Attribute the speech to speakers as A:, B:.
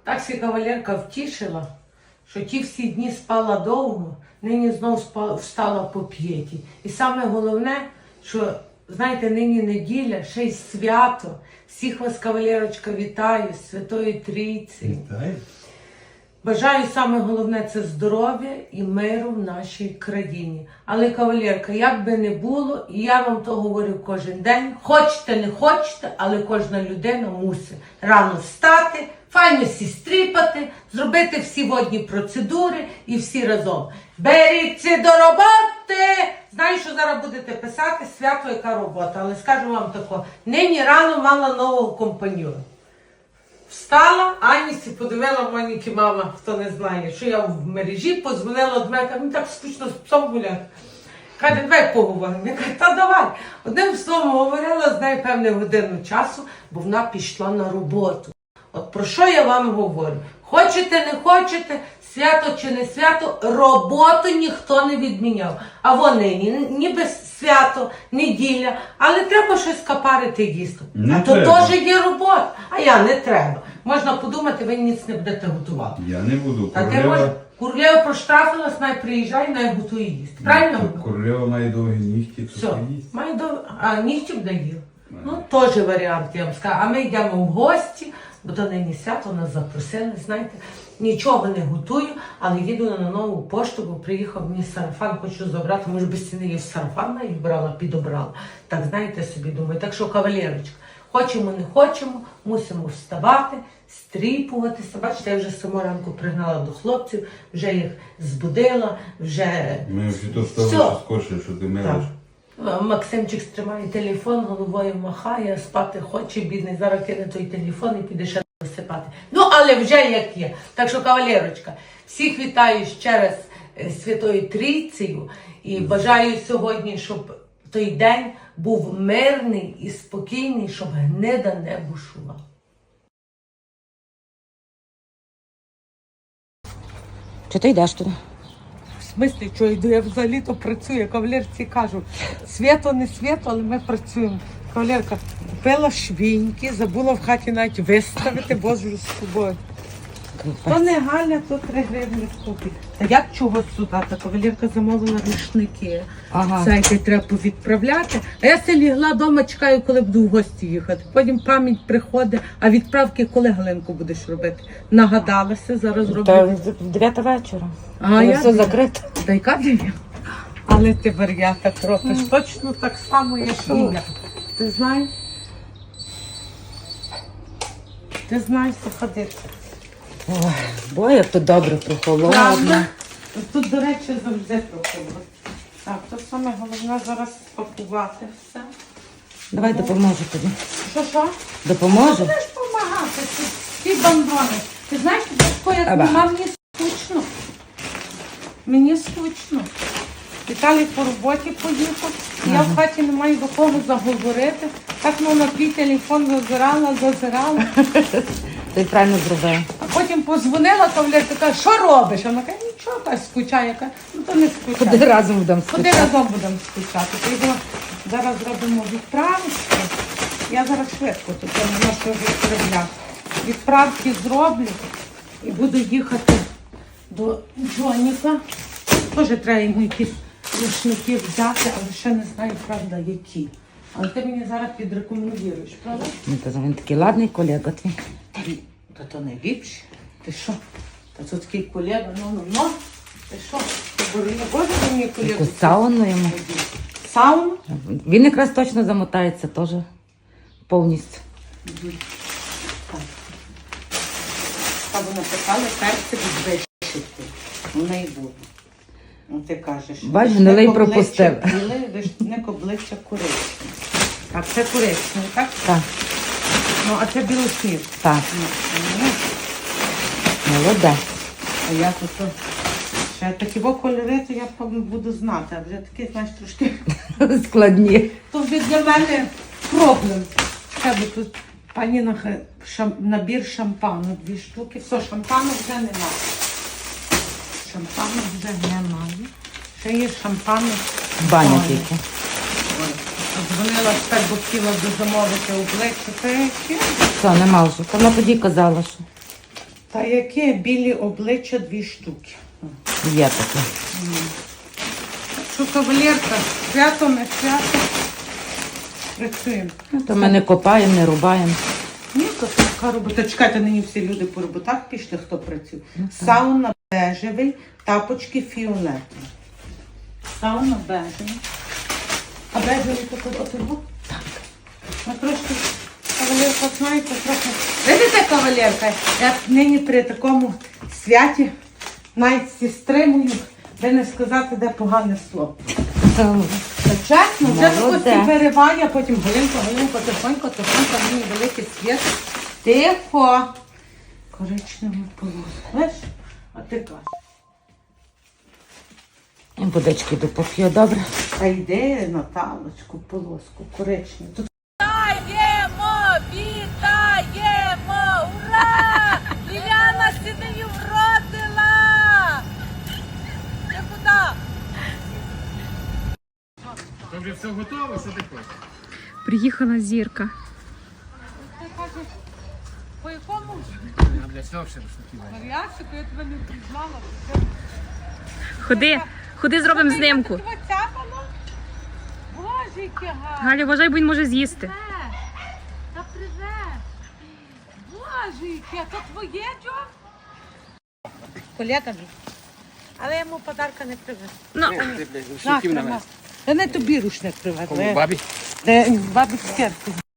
A: Так ся кавалерка втішила, що ті всі дні спала довго, нині знов встала по п'єті. І саме головне, що, знаєте, нині неділя, ще й свято. Всіх вас, кавалерочка, вітаю з Святої Трійці.
B: Вітаю.
A: Бажаю саме головне це здоров'я і миру в нашій країні. Але, кавалерка, як би не було, і я вам то говорю кожен день, хочете, не хочете, але кожна людина мусить рано встати, файно сістріпати, зробити всі водні процедури і всі разом. Беріться до роботи! Знаю, що зараз будете писати, свято, яка робота, але скажу вам тако, нині рано мала нового компаньйона. Встала, Анісі подивила Моніки мама, хто не знає, що я в мережі, подзвонила до мене, каже, мені так скучно з псом гуляти. Каже, давай поговоримо. Я кажу, та давай. Одним словом говорила з нею певну годину часу, бо вона пішла на роботу. От про що я вам говорю? Хочете, не хочете, свято чи не свято, роботу ніхто не відміняв. А вони ніби свято, неділя, але треба щось капарити і їсти.
B: Не
A: А то
B: треба.
A: теж є робота, а я не треба. Можна подумати, ви ніц не будете готувати.
B: Я не буду.
A: А ти можеш, Курлєва проштрафилась, най приїжджає, най готує їсти. Правильно?
B: Королева має довгі нігті, то
A: Все,
B: їсть.
A: має а нігтів дає. Ну, теж варіант, я вам скажу. А ми йдемо в гості, бо то нині свято, нас запросили, знаєте. Нічого не готую, але їду на нову пошту, бо приїхав мені сарафан, хочу забрати, може без ціни я в сарафан навіть брала, підобрала. Так, знаєте собі, думаю. Так що, кавалерочка, хочемо, не хочемо, мусимо вставати, стріпуватися. Бачите, я вже з самого ранку пригнала до хлопців, вже їх збудила, вже...
B: Ми вже то
A: Все.
B: стало скорше, що ти милиш.
A: Максимчик стримає телефон, головою махає, спати хоче, бідний, зараз кине той телефон і піде ще висипати. Ну, але вже як є. Так що, кавалерочка, всіх вітаю ще раз Святою Трійцею і бажаю сьогодні, щоб той день був мирний і спокійний, щоб гнида не бушувала.
C: Чи ти йдеш туди?
A: В смислі, що йду, я взагалі-то працюю, кавалерці кажу, свято не свято, але ми працюємо. Кавалерка, купила швіньки, забула в хаті навіть виставити, боже з собою. То не Галя, то 3 гривні купить. Та як чого сюди? Та кавалерка замовила рушники.
C: Ага.
A: Сайти треба повідправляти. А я все лігла вдома, чекаю, коли буду в гості їхати. Потім пам'ять приходить, а відправки коли, Галинку, будеш робити? Нагадалася, зараз роблю.
C: Та 9 вечора.
A: А
C: Коли
A: я
C: все закрито.
A: Та яка дев'я? Але ти вар'ята робиш. Точно так само, як і я. Ти знаєш? Ти знаєш, що ходити.
C: Ой, бо як тут добре прохолодно.
A: Правда? Тут, до речі, завжди проходить. Так, то саме головне зараз спакувати все.
C: Давай допоможу тобі.
A: Що?
C: Допоможу?
A: Будеш допомагати, ці бандони. Ти знаєш, Бабко, як
C: Аба.
A: нема, мені скучно. Мені скучно. Віталій по роботі поїхав, я в хаті не маю до кого заговорити. Так, ну, на твій телефон зазирала.
C: Ти правильно зробив.
A: А потім позвонила, кавалерка, каже, що робиш? А вона каже, нічого, та скучає. Я кажу, ну то не скучай.
C: Ходи разом будемо
A: Ходи
C: скучати.
A: разом будемо скучати. То йдемо, зараз зробимо відправочки. Я зараз швидко тут я наношу відправляти. Відправки зроблю і буду їхати до Джоніка. Теж треба йому якісь рушники взяти, але ще не знаю, правда, які. Але ти мені зараз підрекомендуєш, правда?
C: Ну, то він такий ладний колега твій.
A: Та то не ліпше. Ти що? Та це такий колега, ну. Ти що? Ти боже мені колегу?
C: Таку сауну йому.
A: Сауну?
C: Він якраз точно замотається теж повністю.
A: Та вона питала перці відвищити. Вона і буде. Ну ти кажеш.
C: Бач,
A: вишник
C: гнилий
A: обличчя
C: пропустив.
A: біле, вишник обличчя коричневе. Так, це коричневе, так?
C: Так,
A: Ну, а це білосніг.
C: так.
A: Ну,
C: Молодець.
A: а я тут ще такі кольори, то я буду знати, а вже такі, знаєш, трошки.
C: Складні.
A: То вже для мене проблем. Тебе тут пані набір шампану, 2 штуки. Все, шампану вже немає. Шампану вже немає. Ще є шампану.
C: Баня тільки.
A: Дзвонила тепер, бо хотіла замовити обличчя. Це які?
C: Все, нема вже. Та вона тоді казала, що.
A: Та яке білі обличчя 2 штуки.
C: Є таке.
A: Що, кавалерка, свято, не свято. Працюємо.
C: Ну, то ми не копаємо, не рубаємо.
A: Ні, то така робота. Чекайте, нині всі люди по роботах пішли, хто працює. Сауна бежевий, тапочки фіолетові. Сауна бежевий. А бежевий такий отримав? Так. Ми трошки, кавалерка, знаєте, трохи. Видите, кавалерка, я нині при такому святі навіть зі стримую, де не сказати, де погане слово. Та чесно, вже
C: Молоде.
A: хтось перериває, а потім Галинко, тихонько, мені великий світ. Тихо. Коричневу полоску. Знаєш? А ти кажеш.
C: І водички допоп'ю, добре?
A: Та йди, Наталочку, полоску, коричневу. Тут
D: Вітаємо! Ура! Ліляна сідаю вродила! Я куди?
E: Тобі все готово, що ти хочеш?
F: Приїхала зірка.
D: Ти кажеш, по якому
E: А для цього ще розшуківай.
D: варіантику я тебе не впізнала.
F: Ходи зробимо знимку.
D: Тебе цяпало? Боже, яке гарне!
F: Галя, вважай, бо він може з'їсти.
D: Та привет! Боже, яке, то твоє, Джо? Колега мій. Але я йому подарка не привезла.
F: Ну,
E: Рушників на мене.
A: Та не тобі рушник привезли.
E: Кому бабі?
A: Бабі серце.